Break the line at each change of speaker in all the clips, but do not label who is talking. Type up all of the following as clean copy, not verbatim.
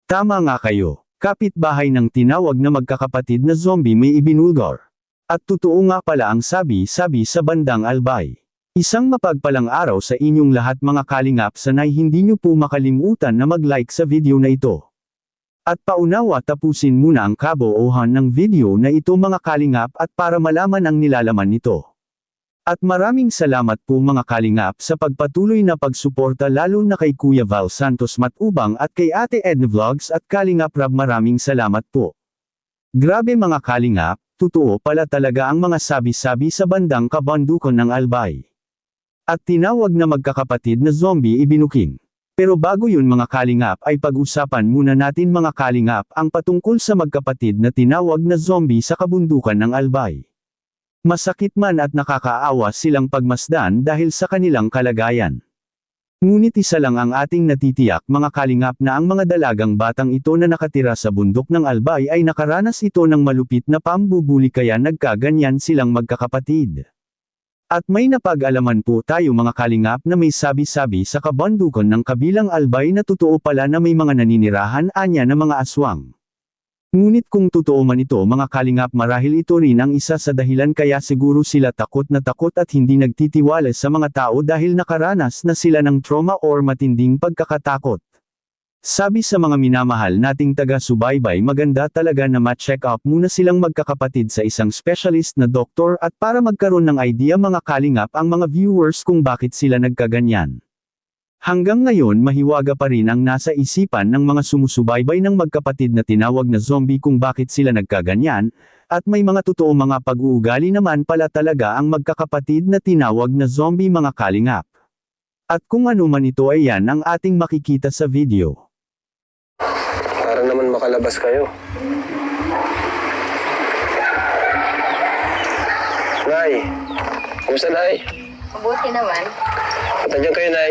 Tama nga kayo, kapitbahay ng tinawag na magkakapatid na zombie may ibinulgar. At totoo nga pala ang sabi-sabi sa bandang Albay. Isang mapagpalang araw sa inyong lahat mga kalingap, sanay hindi nyo po makalimutan na mag-like sa video na ito. At paunawa tapusin muna ang kabuuhan ng video na ito mga kalingap at para malaman ang nilalaman nito. At maraming salamat po mga kalingap sa pagpatuloy na pagsuporta lalo na kay Kuya Val Santos Matubang at kay Ate Edna Vlogs at Kalingap Rab, maraming salamat po. Grabe mga kalingap, totoo pala talaga ang mga sabi-sabi sa bandang kabundukan ng Albay. At tinawag na magkakapatid na zombie ibinuking. Pero bago yun mga kalingap ay pag-usapan muna natin mga kalingap ang patungkol sa magkapatid na tinawag na zombie sa kabundukan ng Albay. Masakit man at nakakaawa silang pagmasdan dahil sa kanilang kalagayan. Ngunit isa lang ang ating natitiyak mga kalingap na ang mga dalagang batang ito na nakatira sa bundok ng Albay ay nakaranas ito ng malupit na pambubuli kaya nagkaganyan silang magkakapatid. At may napag-alaman po tayo mga kalingap na may sabi-sabi sa kabundukan ng kabilang Albay na totoo pala na may mga naninirahan anya na mga aswang. Ngunit kung totoo man ito mga kalingap, marahil ito rin ang isa sa dahilan kaya siguro sila takot at hindi nagtitiwala sa mga tao dahil nakaranas na sila ng trauma or matinding pagkakatakot. Sabi sa mga minamahal nating taga-subaybay, maganda talaga na ma-check up muna silang magkakapatid sa isang specialist na doktor at para magkaroon ng idea mga kalingap ang mga viewers kung bakit sila nagkaganyan. Hanggang ngayon mahiwaga pa rin ang nasa isipan ng mga sumusubaybay ng magkapatid na tinawag na zombie kung bakit sila nagkaganyan, at may mga totoo mga pag-uugali naman pala talaga ang magkakapatid na tinawag na zombie mga kalingap. At kung ano man ito ay yan ang ating makikita sa video.
Para naman makalabas kayo. Nay, kumusta Nay?
Mabuti naman.
Nandiyan kayo Nay?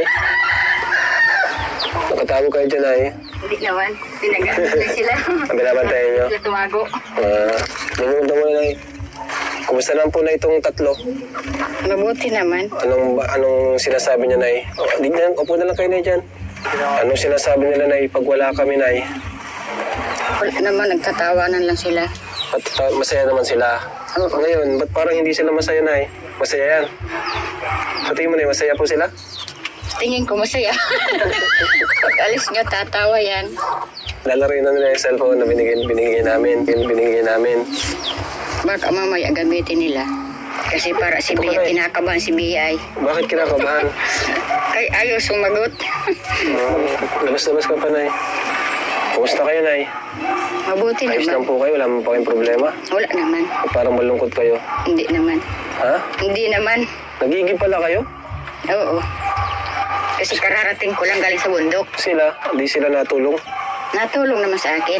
Nakatago kayo dyan Nay?
Hindi naman. Pinag-aantay sila.
Binabantayan nyo?
Sila tumago.
Nangunta mo Nay. Kumusta naman po na itong tatlo?
Mabuti naman.
Anong sinasabi niya Nay? Upo na lang kayo Nay dyan. Anong sinasabi nila Nay pag wala kami Nay?
Wala naman, nagtatawanan lang sila.
At masaya naman sila.
Oo.
Ngayon, ba't parang hindi sila masaya Nay? Masaya yan. Sa tingin mo Nay, masaya po sila?
Tingin ko masaya. Pag alis nyo, tatawa yan.
Lalaroin na nila yung cellphone na binigay namin.
Baka mamaya gamitin nila. Kasi para si Bia, kinakabahan si Bia ay.
Bakit kinakabahan?
Ay, ayaw sumagot.
Labas-labas ka pa Nay. Kumusta kayo Nay?
Mabuti
Ayos lang
naman.
po kayo? Wala mo pa kayong problema?
Wala naman.
O parang malungkot kayo?
Hindi naman.
Ha?
Hindi naman.
Nagigib pala kayo?
Oo. Kasi kararating ko lang galing sa bundok.
Sila? Hindi sila natulong?
Natulong naman sa akin.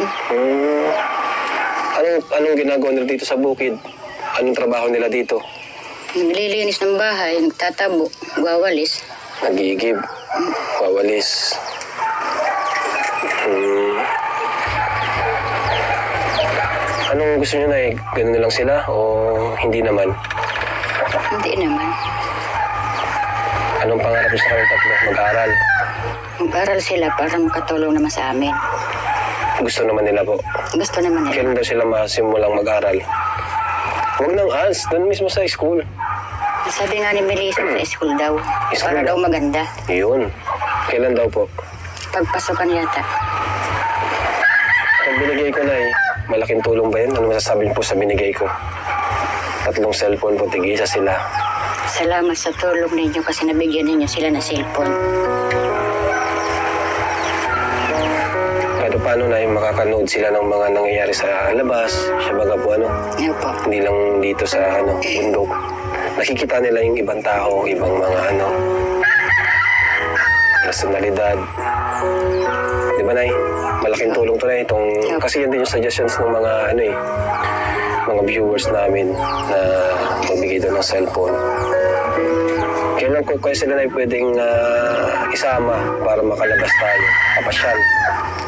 Anong ginagawa nila dito sa bukid? Anong trabaho nila dito?
Naglilinis ng bahay, nagtatabo, gawalis.
Nagigib. Wawalis. Anong gusto nyo Nay? Ganun na lang sila o hindi naman?
Hindi naman.
Anong pangarap nyo sa kayong tatlo? Mag-aral?
Mag-aral sila para makatulong naman sa amin.
Gusto naman nila po.
Gusto naman nila.
Kailan daw sila masimulang mag-aral? Huwag nang ALS, doon mismo sa school.
Sabi nga ni Melissa sa school daw.
School
Para daw
daw?
maganda.
Yun. Kailan daw po?
Pagpasokan yata.
Pag binigay ko Nay, malaking tulong ba yun? Ano masasabi niyo po sa binigay ko? 3 cellphone po, tig-isa sila.
Salamat sa tulong ninyo kasi nabigyan ninyo sila ng cellphone.
Kahit paano Nay, makakanood sila ng mga nangyayari sa labas. Siya baga po
Ano po?
hindi lang dito sa bundok. Nakikita nila yung ibang tao, ibang mga personalidad. Di ba Nay? Malaking tulong to Nay. Kasi yan din yung suggestions ng mga mga viewers namin na magbigay doon ng cellphone. Kailan ko kaya sila Nay pwedeng isama para makalabas tayo, kapasyal.